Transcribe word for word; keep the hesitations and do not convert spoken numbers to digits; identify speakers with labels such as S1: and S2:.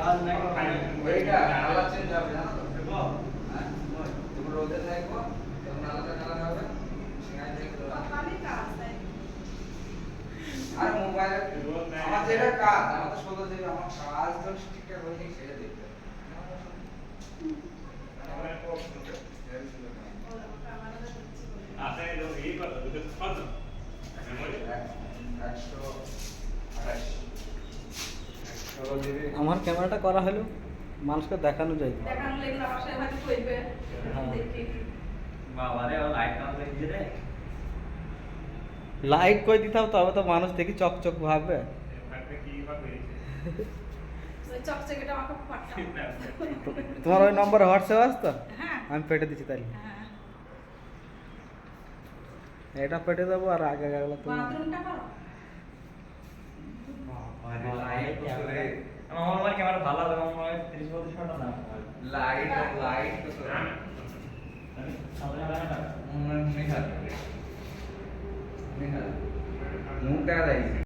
S1: ওইটা colour change হবে জানো তো দেখো হ্যাঁ তুমি রোদে থাকবো তখন আলাদা কালার হবে সেখানে দেখো
S2: পানি কাজ তাই
S1: আর মোবাইলে আমার যেটা কাজ আমার তো ষোলো জিবি আমার কাজ তো ঠিকঠাক হয়নি সেটা দেখতে হবে আমার কোড শুনতে
S3: আপনি এই কথা দুটো কত মেমোরি
S1: একশো আঠাশ ষোলো জিবি
S4: আমার ক্যামেরাটা করা হলো মানুষকে দেখানো যায়
S2: দেখানো লাগলে আমার সাথে হয়তো কইবে দেখি
S5: বাবারে ও লাইট কাজ করে রে
S4: লাইট কই দিতাম তবে তো মানুষ দেখি চকচক ভাববে
S3: একটা কি ভাবে
S2: ওই চকচকেটা আমাকে পাঠাও
S4: তোমার ওই নম্বরে হোয়াটসঅ্যাপ আছে তো
S2: হ্যাঁ
S4: আমি পেটে দিচ্ছি তাহলে
S2: হ্যাঁ
S4: এটা পেটে দেবো আর আগে গেলো তুমি
S2: বাথরুমটা করো
S1: আরে লাইট কত রে
S5: আমার মোবাইল ক্যামেরা ভালো লাগে আমার মোবাইল ত্রিশ বত্রিশ টাকা দাম
S1: লাইট লাইট কত
S5: আমি সামনে লাগা
S1: নিহাল নিহাল মুখ দেখা যায়